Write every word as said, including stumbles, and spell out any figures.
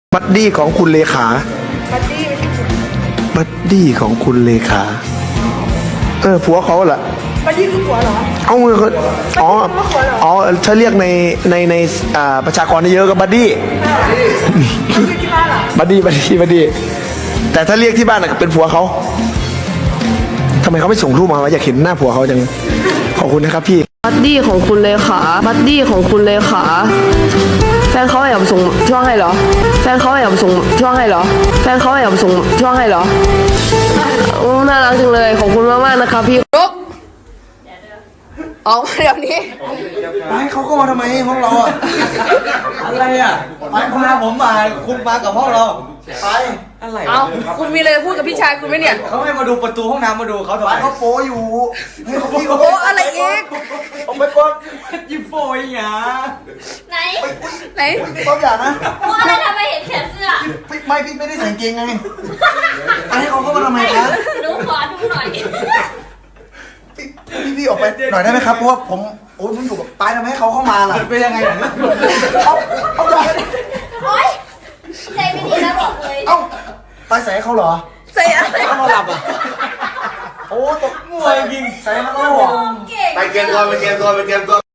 บัดดี้ของคุณเลขาบัดดี้ไม่ใช่ผัวบัดดี้ของคุณเลขาเออผัวเขาแหละบัดดี้คือผัวเหรอเอาเงินเขาอ๋ออ๋อถ้าเรียกในในในอ่าประชากรเยอะก็บัดดี้บัดดี้ที่บ้านเหรอบัดดี้บัดดี้บัดดี้แต่ถ้าเรียกที่บ้านน่ะเป็นผัวเขาทำไมเขาไม่ส่งรูปมาวะอยากเห็นหน้าผัวเขาจังขอบคุณนะครับพี่บัดดี้ของคุณเลขาบัดดี้ของคุณเลขาแฟนเขาแอบส่งช่วงให้เหรอแฟนเขาแอบส่งช่วงให้เหรอแฟนเขาแอบส่งช่วงให้เหรอโอ้น่ารักจังเลยขอบคุณมากมากนะครับพี่ลุกออกมาเดี๋ยวนี้ไปเขาก็มาทำไมห้องเราอะอะไรอ่ะไปพาผมมาคุณมากับห้องเราไปอะไรเอาคุณมีอะไรพูดกับพี่ชายคุณไหมเนี่ยเขาให้มาดูประตูห้องน้ำมาดูเขาทำไมเขาโป้อยู่ให้เขาพี่เขาโอ้อะไรอีกออกไปก่อนยิ้มโฟยหยาไหนไหนต้องอย่านะเพราะอะไรทำไมเห็นแขนเสื้อพี่ไม่พี่ไม่ได้ใส่เกงไงให้เขาเข้ามาทำไมคะหนูขอดูหน่อยพี่พี่ออกไปหน่อยได้ไหมครับเพราะว่าผมโอ้ยผมอยู่กับปายทำไมให้เขาเข้ามาล่ะเป็นยังไงเนี่ยเอาเอาเลยโอ๊ยใจไม่ดีแล้วบอกเลยเอาปายใส่ให้เขาเหรอใส่อะไรเขานอนหลับอ่ะโอ้ตกมวยยิงใส่ให้เขาหรอเก่งไปเตรียมตัวไปเตรียมตัวไปเตรียมตัว